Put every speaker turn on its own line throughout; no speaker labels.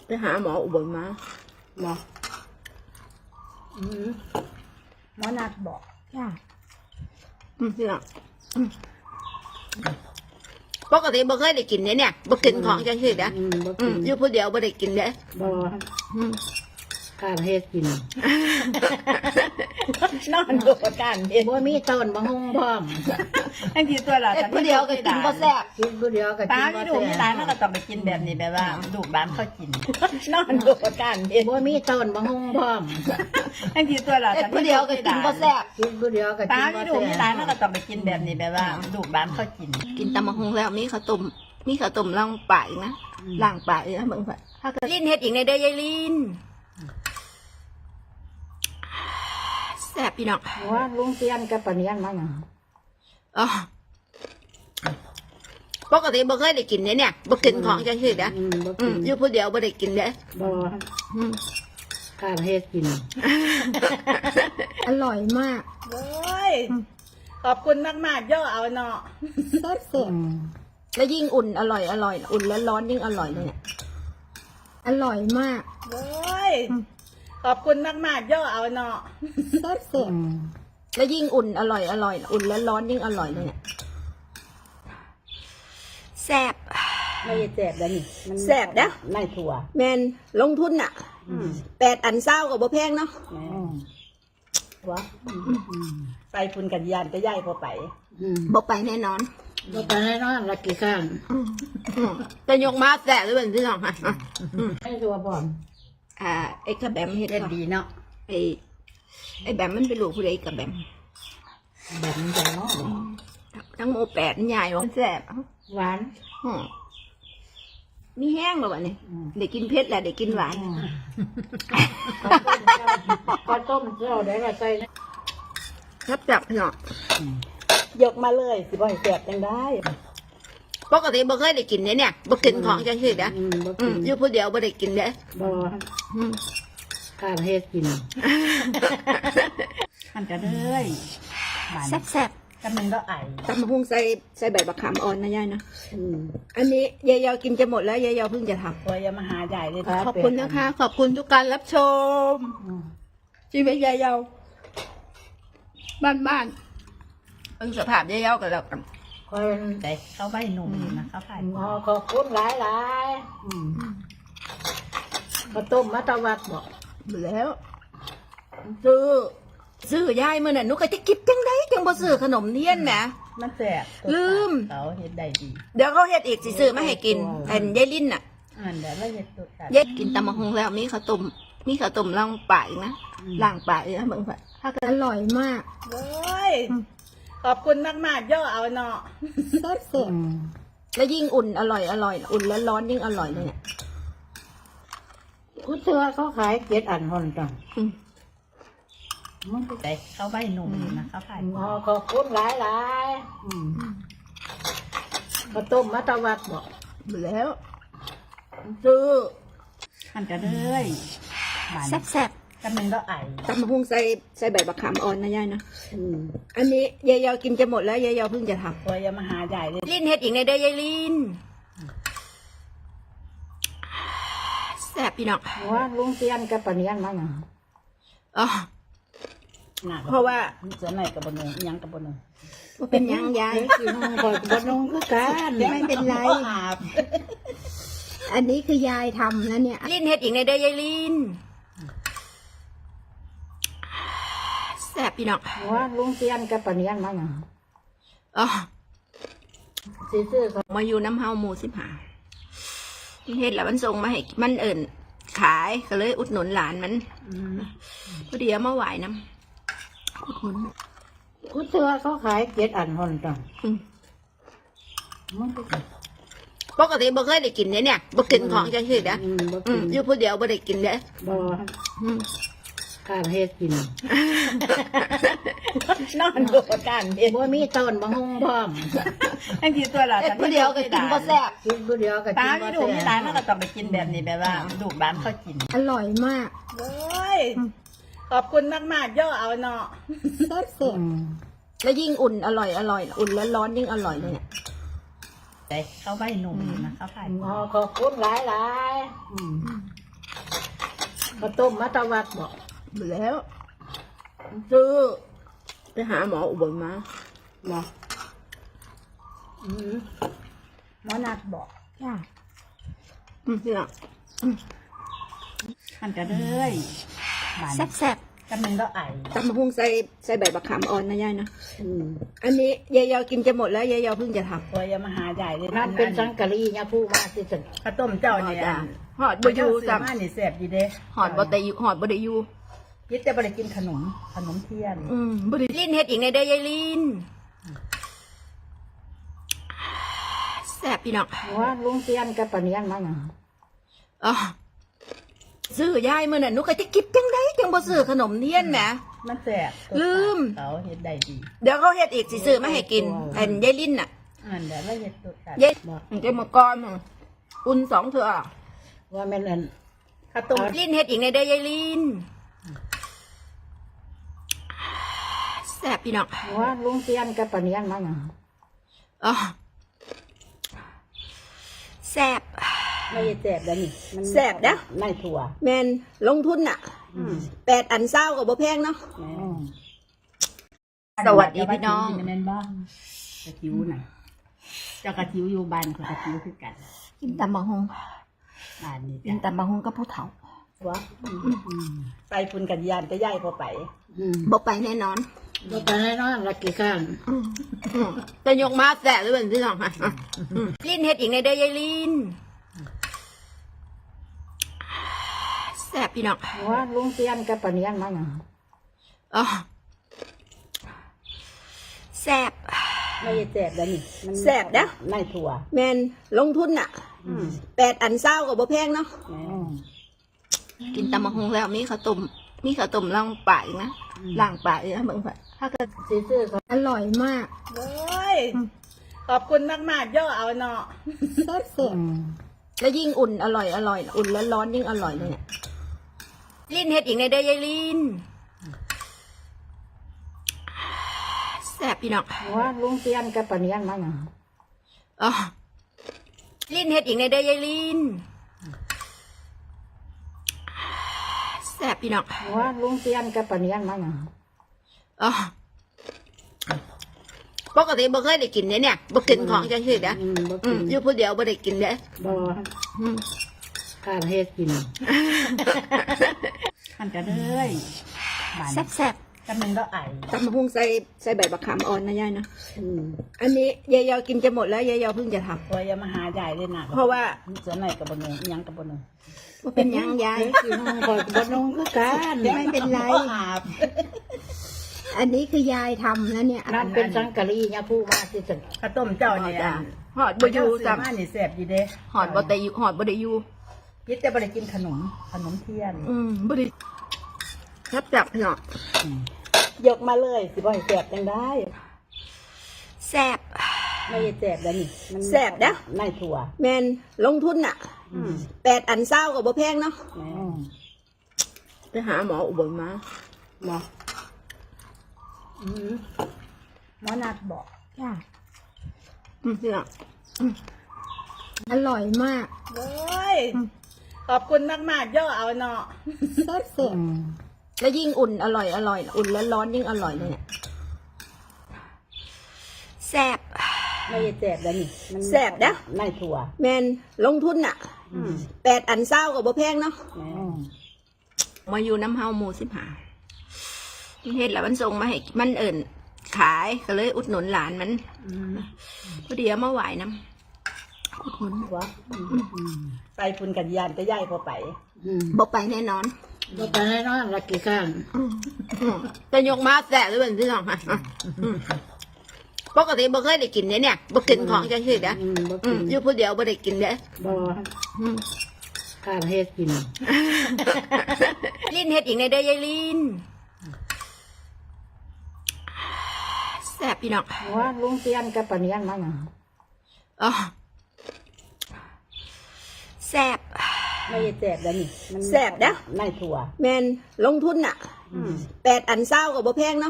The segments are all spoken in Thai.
ไปหาหมออุบลมา
หมอหมอนัดบอก
จ้านี่แหละปกติบ่เคยได้กินเนี่ยบ่กินของจังซี่เด้อ
บ่กิน
อยู่ผู้เดียวบ่ได้กินเด้อ
บ่ข้าวเฮ็ดกินนอนดูกันเฮ็ดบ่มีต้นบ่ฮุ่งพร้อม
ทั้งทีตัวเรา
เฮ็ดผู้เดียวก็กินบ่แซ่บ
กินผู้เดียวก็กิ
ป้าน
บ่
ไม่ดู
แซ่
ไม่
บ
ร้านมันก็ต้องไปกินแบบนี้แบบว่าดูบ้านเขากิน
นอนดูกันเฮ็ดบ่มีต้นบ่ฮุ่งพร้อม
ทั้งทีตัวเรา
เฮ็ดผู้เดียวก็กินบ่แซ่บ
กินผู้เดียวก็กิ
ป้าน ไม่
บ่
ดู
แซ่
ไม่
บ
ร้านมันก็ต้องไปกินแบบนี้แบบว่าดูบ้านเขากิน
กินตำบักหุ่งแล้วมีข้าวต้มล่างปากอีกนะล่างปากอีกนะเบิ่งค่ะถ้าเกิดลิ้นเฮ็ดอีกในเด้อยายลิ้นแซ่บพี่น้อง
ว่าลุงเตียนกับปะเนียนมาหยัง
อ๋อปกติบ่เคยได้กินเนี่ยบ่กินของจังซี่เด้อ
บ่กิน
อยู่ผู้เดียวบ่ได้กินเด้อ
บ่ข้าวเฮ็ดกิน
อร่อยมาก
โอ้ยขอบคุณมากๆย่อเอาเนาะ
แซ่บเสร็จแล้วยิ่งอุ่นอร่อยอุ่นแล้วร้อนยิ่งอร่อยเลยเนี่ยอร่อยมาก
โอ้ยขอบคุณมากๆย่อเอาเนาะ
แซ่บเสร็จแล้วยิ่งอุ่นอร่อยอุ่นแล้วร้อนยิ่งอร่อยเลยเนี่ยแซ่บ
ไม่ได้แซ่บแล้วนี่มัน
แซ่บนะ
ในถั่ว
แมนลงทุนอ่ะ8 อันเศร้ากับบ่แพงเนาะ
ถั่ว
ไปคุณกันยานก็ย่ายพอไป
บ่ไปแน่นอน
บ่ไปให้นอนละกี่ข้าง
จะยกมาแซ่บหรือเป็นพี่น้องค่ะ
ให้ถั่วบ่อน
ไอ้กระแบมเฮ็ด
เล่น
เนาะ
ดีเนาะ
ไอ้แบมมันเป็นลูกผู้ใดกระแบม
แบบนี้จังเนาะ
ทั้งโม8มันใหญ่วะแซ่บ
หวาน
มีแห้งแล้ววะนี่ได้กินเผ็ดแหละได้กินหวาน
ข้าวต้มเจ้าได้ละใส่นะ
ครับจับพี่น้อง
ยกมาเลยสิบ่ให้แสบยังได้
ปกติบ่เคยได้กินเนี่ยบ่กินของจังซี่เด้อ
บ่กิน
อยู่ผู้เดียวบ่ได้กินเด้อ
บ่ข้าวเฮ็ดกิน
มันจะเลยบ้าน
แซ่บ
กันหนึ่งก็ไอ
ๆตำบักหุ่งใส่ใบบักขามอ่อนนะยายนะอันนี้ยายยอกินจะหมดแล้วยายยอเพิ่งจะทำ
ตัวอย่ามาหาใหญ่เลย
ขอบคุณนะคะ ขอบคุณทุกการรับชมชีวิตยายยอบ้านๆเพิ่งสภาพยายยอกันแล้วกัน
คอย
แต่เขาใบหนุ่มนะเขาผ่าน
ขอบคุณหลายข้าวต้มมัตวัดบอก
แล้ว ซื้อยายมื่อน่ะหนูก็จะกิบจังได้จังบ่ซื้อขนมเทียนแหม
มันแสบ
ลืม
เขาเห็ดได้ดี
เดี๋ยวเขาเฮ็ดอีกสิซื้อมาให้กินอันยายลิ้นน่ะ
เดี๋ยวเราเห็ดตัวกัน
ยายกินตำบักหุ่งแล้วมีข้าวต้มล่างปากอีกนะล่างปากอีกนะเบิ่งค่ะถ้าเกิดอร่อยมาก
โอ้ยขอบคุณมากๆย่อเอาเนาะ
แซ่บเสร็จแล้วยิ่งอุ่นอร่อยอุ่นแล้วร้อนยิ่งอร่อยเลยเนี่ย
กูเชื่อเขาขายเจ็ดอันคนจัง
มันแต่เขาใบหนุ่มนะเขาผ่าน
ขอบคุณหลายข้าวต้มมัตวัดบอก
แล้ว
มันจะเลยบ้าน
แซ่บ
กันหนึ่งก็ไอ
ๆตำบักหุ่งใส่ใบบักขามอ่อนนะยายนะอันนี้ยายยอกินจะหมดแล้วยายยอเพิ่งจะทำ
ตัวอย่ามาหาใหญ่เลย
ลิ้นเฮ็ดอีกในเด้อยายลิ้นแซ่บพี่น้อง
ว่าลุงเตียนกับปะเนียนมาหยัง
อ๋อ เพราะว่า
จะไหนกับบนงยังกับบนง
ว่าเป็นหยังยาย
กินคอยบนนงคือกัน
ไม่เป็นไร
อาบ
อันนี้คือยายทำนะเนี่ยลิ้นเฮ็ดอีกในเด้อยายลิ้นแซ่บพี่น้อง
ว่าลุงเตียนกับปะเนียนมาหยัง
อ๋อ
ซื้อเขา
มาอยู่น้ำเฮาหมู่เฮ็ดแล้วมันส่งมาให้มันเอิ่นขายก็เลยอุดหนุนหลานมันพอดีเอามาไหวน้ำอุดหนุน
กูเชื่อเขาขายเจ็ดอันคนจัง
ปกติบ่เคยได้กินเนี่ยบ่กินของจังซี่เด้อ
บ่กิน
อยู่ผู้เดียวบ่ได้กินเด้อ
บ่ข้าวเฮ็ดกิน
นอนดูกันเห็ด
บ่มีต้นบ่ฮุ่งพร้อม
ทั้งทีตัวเรา
เฮ็ดผู้เดียวก็กินบ่แซ่บ
กินผู้เดียวก็
ป้า
กิน
ไม่
บ่
ดูไม่
แซ่
ร้าน
บ
มันก็ต้องไปกินแบบนี้แบบว่าดูบ้านเขากิน
อร่อยมาก
โอ้ยขอบคุณมากๆย่อเอาเนาะ
แซ่บเสร็จแล้วยิ่งอุ่นอร่อยอุ่นแล้วร้อนยิ่งอร่อยเลยเนี่ย
แต่เขาใบหนุ่มนะเขาผ่าน
ขอบคุณหลายก็ต้มมาตะวัดบอก
หมดแล้วซื้อไปหาหมออุบลมา
บอก
หมอนัดบอก
จ้าพี่น้อง
มันก็เลยบาน
แซ่บ
กำลังก็ไอ
ๆตำมะฮุ่งใส่ใบบักขามอ่อนนะยายนะ
อืม
อันนี้ยายยอกินจะหมดแล้วยายยอเพิ่งจะทำ
ตัวอยามาหาใหญ่เลย
นั่นเป็นสังกะรีเนี่ยผู้มาที่สุด
ข้าวต้มเจ้าเนี่ย
หอดบะยู
สั
สั
บบ มานี่แซ่บอยู่เด้
หอดบะตะยูหอดบะไดยู
ยิดจะไปกินขนมเทียน
บะไดลินเฮ็ดอีกในเด้อยายลินแซ่บพี่น้อง
ว่าลุงเตียนกับปะเนียนมาอย่าง
อ๋อซื้อยายมื่อน่ะหนุก็จะกินจังได้จังบ่ซื้อขนมเทียนแหม
มันแซ่บ
ลืม
เขาเฮ็ดได้ดี
เดี๋ยวเขาเฮ็ดอีกสิซื้อมาให้กินอันยายลินน่ะ
อันเดี๋ยวเราเฮ็ดตัวกัน
ยายมันจะมาก่อนอุ่น2 เทื่อ
ว่าแม่นอัน
ข้าวต้ม
ลินเฮ็ดอีกในเด้อยายลินแซ่บพี่น้อง
ว่าลุงเตียนกับปะเนียนมาอย่าง
อ๋อแซ่บ
ไม่ได้แซ่บแล้วนี่มัน
แซ่บนะ
ไม่ถั่ว
แมนลงทุนน่ะ8 อันเศร้ากับบ่แพงเนาะ สวัสดีพี่น้อง
แม่นบ้างกระทิวน่ะเจ้ากระทิวอยู่บ้านกับกระทิวคือกัน
กินตำบักฮง
บ้านนี้
กินตำบักฮงกับผู้เฒ่า
วะ
ไปพุ่นกันยานก็ย้ายพอไป
บ่ไปแน่นอน
บ่ไปให้นอนละกี่ข้าง
จะยกมาแสะหรือเป็นที่สองค่ะลินเฮ็ดอีกในเด้อยายลินแซ่บพี่น้อง
ว่าลุงเตียนกับปะเนียนมาอย่าง
อ๋อแซ่บ
ไม่ได้แซ่บแล้วนี่มัน
แซ่บนะ
ไม่ถั่ว
แมนลงทุนน่ะ8 อันเศร้ากับบ่แพงเนาะกินตำบักฮงแล้วมีข้าวต้มล่างปากอีกนะล่างปากอีกนะเบิ่งค่ะถ้าเกิด
ซื้อๆเขา
อร่อยมาก
โอ้ยขอบคุณมากๆย่อเอาเนาะ
แซ่บแล้วยิ่งอุ่นอร่อยอุ่นแล้วร้อนยิ่งอร่อยเลยเนี่ยลินเฮ็ดอีกในเด้อยายลินแซ่บพี่น้อง
ว่าลุงเตียนกับปะเนียนมาอย่าง
อ๋อลินเฮ็ดอีกในเด้อยายลินแซ่บพี่น้อง
ว่าลุงเตียนกับปะเนียนมาอย่าง
อ๋อปกติบ่เคยได้กินเนี่ยบ่กินของจังซี่นะ
บ่กิน
อยู่ผู้เดียวบ่ได้กินเด้
บ่ข้าเฮ็ดกิน
มันก็เลยบาน
แซ่บ
กำลังก็ไอ
ๆตำมะฮุ่งใส่ใบบักขามอ่อนนะยายนะ
อืม
อันนี้ยายยอกินจะหมดแล้วยายยอเพิ่งจะทำ
ตัวอยามาหาใหญ่เลยนะ
เพราะว่า
เสือไหนกับบนงยังกับบนง
บ่เป็นหยังยาย
กินก่อนบ่นุ่งคือกัน
ไม่เป็นไร
อาบ
อันนี้คือยายทำนะเนี่ย
นั่นเป็นสังกะรีเนี่ยผู้มาที่สุด
ข้าวต้มเจ้าเนี่ย
หอดบะยู
สั
สั
บบ มานี่แซ่บอยู่เด้
หอดบะตะยูหอดบะไดยู
ยิดจะไปกินขนมเทียน
บะไดครับจับเนาะ
ยกมาเลยสิบ่ให้แซ่บจังได้
แซ่บ
ไม่ได้แซ่บแล้วนี่มัน
แซ่บนะ
ไม่ถั่ว
แมนลงทุนน่ะ8 อันเศร้ากับบ่แพงเนาะไปหาหมออุบลมา
บ่
หมอนัดบอก
จ้าพี่น้องอร่อยมาก
โอ้ยขอบคุณมากๆย่อเอาเนาะ
แซ่บแล้วยิ่งอุ่นอร่อยอุ่นแล้วร้อนยิ่งอร่อยเลยเนี่ยแซ่บ
ไม่ได้แซ่บแล้วนี่มัน
แซ่บนะ
ไม่ถั่ว
แมนลงทุนน่ะ8 อันเศร้ากับบ่แพงเนาะมาอยู่น้ำเฮาหมู่15เฮ็ดแล้วมันส่งมาให้มันขายก็เลยอุดหนุนหลานมันพอดีเอามาไหวน้ำอุดหนุน
วะ
ไปพุ่นกันยานก็ย้ายพอไป
บ่ไปแน่นอน
บ่ไปให้นอนละกี่ข้าง
จะยกมาแสะหรือเป็นที่สองค่ะปกติบ่เคยได้กินเนี่ยบ่กินของจังซี่นะ
บ่กิน
อยู่ผู้เดียวบ่ได้กินเด้
บ่ข้าเฮ็ดกิน
ลินเฮ็ดอีกในเด้อยายลินแซ่บพี่น้อง
ว่าลุงเตียนกับปะเนียนมาอย่าง
อ๋อแซ่บ
ไม่ได้แซ่บแล้วนี่มัน
แซ่บนะ
ไม่ถั่ว
แมนลงทุนน่ะ8 อันเศร้ากับบ่แพงเนาะ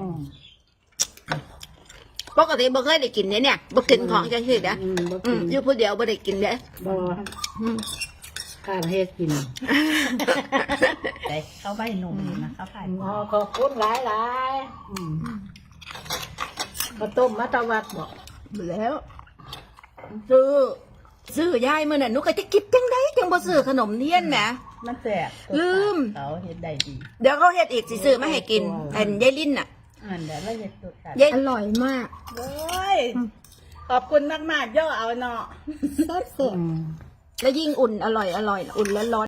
ปกติบ่เคยได้กินเนี่ยบ่กินของจังซี่นะ
บ่กิน
อยู่ผู้เดียวบ่ได้กินเด้
บ่ขข้าเฮ็ดกิน
แต่เขาใบหนุ่มนะเขาผ่าน
อ๋อขอบคุณหลายข้าวต้มมัตตวัดบอก
แล้วซื้อยายมื้อน่ะหนูก็จะคิดจังไดจังบ่ซื้อขนมเทียนแหม
มันแสบ
ลืม
เขาเฮ็ดได้ดี
เดี๋ยวเขาเฮ็ดอีกสิซื้อมาให้กินอันยายลิ้นน่ะ
อันเดี๋ยวเราจะตุดกัน
ยายอร่อยมาก
โอ้ยขอบคุณมากๆย่อเอาเนาะ
แล้วยิ่งอุ่นอร่อยอุ่นแล้วร้อน